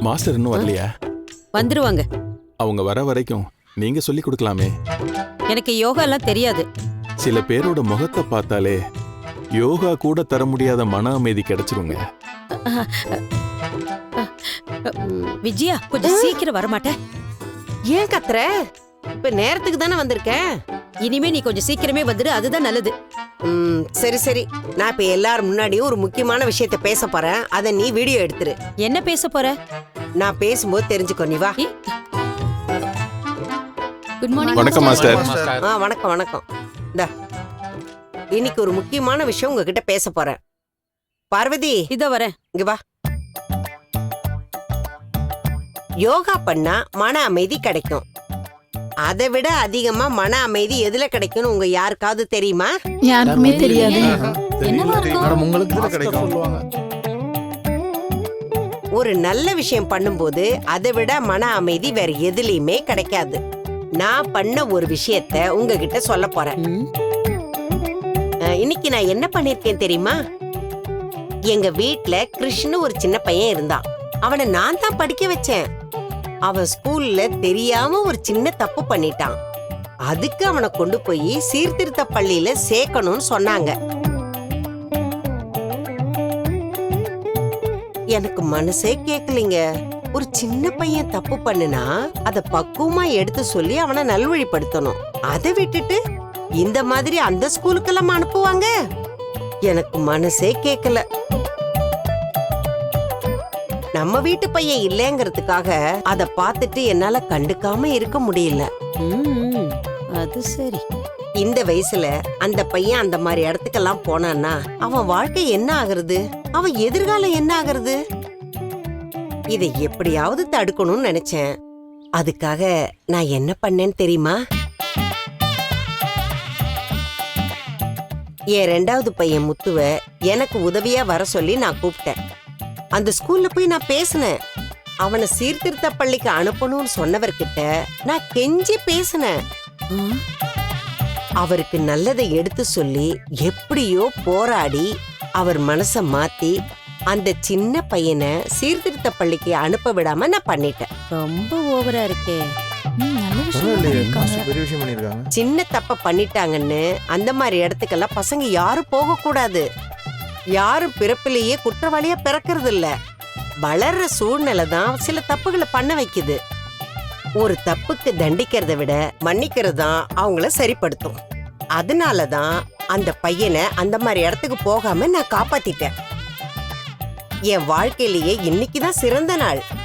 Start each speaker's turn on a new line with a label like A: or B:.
A: Master இன்னும் வரலையா?
B: வந்துருவாங்க.
A: அவங்க வர வரைக்கும் நீங்க சொல்லி கொடுக்கலாமே.
B: எனக்கு யோகா எல்லாம் தெரியாது.
A: சில பேரோட முகத்தை பார்த்தாலே யோகா கூட தர முடியாத மன அமைதி கிடைச்சிருங்க.
B: விஜயா, கொஞ்சம் சீக்கிரம் வரமாட்டேன்.
C: ஏன் கத்துற? இப்ப நேரத்துக்கு தானே வந்திருக்கேன்.
B: இனிமே நீ கொஞ்சம் சீக்கிரமே வந்துடு, அதுதான் நல்லது.
C: சரி சரி, நான் இப்ப எல்லாரும் முன்னாடியும் ஒரு முக்கியமான விஷயத்த பேச போறேன். அத நீ வீடியோ எடுத்துரு.
B: என்ன பேச போற?
C: நான் பேசும்போது தெரிஞ்சுக்கோ. நீ வா.
B: Good morning.
A: வணக்கம் மாஸ்டர்.
C: வணக்கம் வணக்கம். இன்னைக்கு ஒரு முக்கியமான விஷயம் உங்ககிட்ட பேச போறேன். பார்வதி,
B: இதோ வரேன்.
C: இங்க வா. யோகா பண்ணா மன அமைதி கிடைக்கும். அதை விட அதிகமா மன அமைதி எதுல கிடைக்கும்னு உங்க யாருக்காவது தெரியுமா?
D: யாருக்குமே தெரியாது.
C: ஒரு நல்ல விஷயம் பண்ணும்போது அதை விட மன அமைதி வேற எதுலயுமே கிடைக்காது. நான் பண்ண ஒரு விஷயத்த உங்ககிட்ட சொல்ல போறேன். இன்னைக்கு நான் என்ன பண்ணிருக்கேன் தெரியுமா? எங்க வீட்ல கிருஷ்ணு ஒரு சின்ன பையன் இருந்தான். அவனை நான் தான் படிக்க வச்சேன். அவன் ஸ்கூல்ல தெரியாம ஒரு சின்ன தப்பு பண்ணிட்டான். அதுக்கு அவனை கொண்டு போய் சீர்திருத்த பள்ளியில சேர்க்கணும்னு சொன்னாங்க. எனக்கு மனசே கேட்கலீங்க. ஒரு சின்ன பையன் தப்பு பண்ணுனா அத பக்குவமா எடுத்து சொல்லி அவனை நல்வழிப்படுத்தணும். அதை விட்டுட்டு இந்த மாதிரி அந்த ஸ்கூலுக்கெல்லாம் அனுப்புவாங்க? எனக்கு மனசே கேட்கல. நம்ம வீட்டு பையன் இல்லைங்கிறதுக்காக அத பார்த்துட்டு என்னால கண்டுக்காம இருக்க முடியல.
B: அது சரி.
C: இந்த வயசுல அந்த பையன் அந்த மாதிரி இடத்துக்கெல்லாம் போனான்னா அவன் வாழ்க்கை என்ன ஆகுறது? அவன் எதிர்காலம் என்ன ஆகுறது? இதை எப்படியாவது தடுக்கணும்னு நினைச்சேன். அதுக்காக நான் என்ன பண்ணேன்னு தெரியுமா? என் 2வது பையன் முத்துவ எனக்கு உதவியா வர சொல்லி நான் கூப்பிட்டேன். அந்த ஸ்கூல்ல போய் நான் பேசினேன். அவனை சீர்திருத்த பள்ளிக்கு அனுப்பணும்னு சொன்னவர்கிட்ட நான் கெஞ்சி பேசினேன். அவருக்கு நல்லதை எடுத்து சொல்லி எப்படியோ போராடி அவர் மனச மாத்தி அந்த சின்ன பையனை சீர்திருத்த பள்ளிக்கு அனுப்ப விடாம நான் பண்ணிட்டேன்.
B: ரொம்ப ஓவரா இருக்கே.
C: சின்ன தப்ப பண்ணிட்டாங்கன்னு அந்த மாதிரி இடத்துக்கெல்லாம் பசங்க யாரும் போக கூடாது. யாரும் பிறப்பிலேயே குற்றவாளியா பிறக்கிறது இல்ல. வளர்ற சூழ்நிலை தான் சில தப்புகளை பண்ண வைக்குது. ஒரு தப்புக்கு தண்டிக்கிறத விட மன்னிக்கிறது தான் அவங்கள சரிப்படுத்தும். அதனாலதான் அந்த பையனை அந்த மாதிரி இடத்துக்கு போகாம நான் காப்பாத்திட்டேன். என் வாழ்க்கையிலேயே இன்னைக்குதான் சிறந்த நாள்.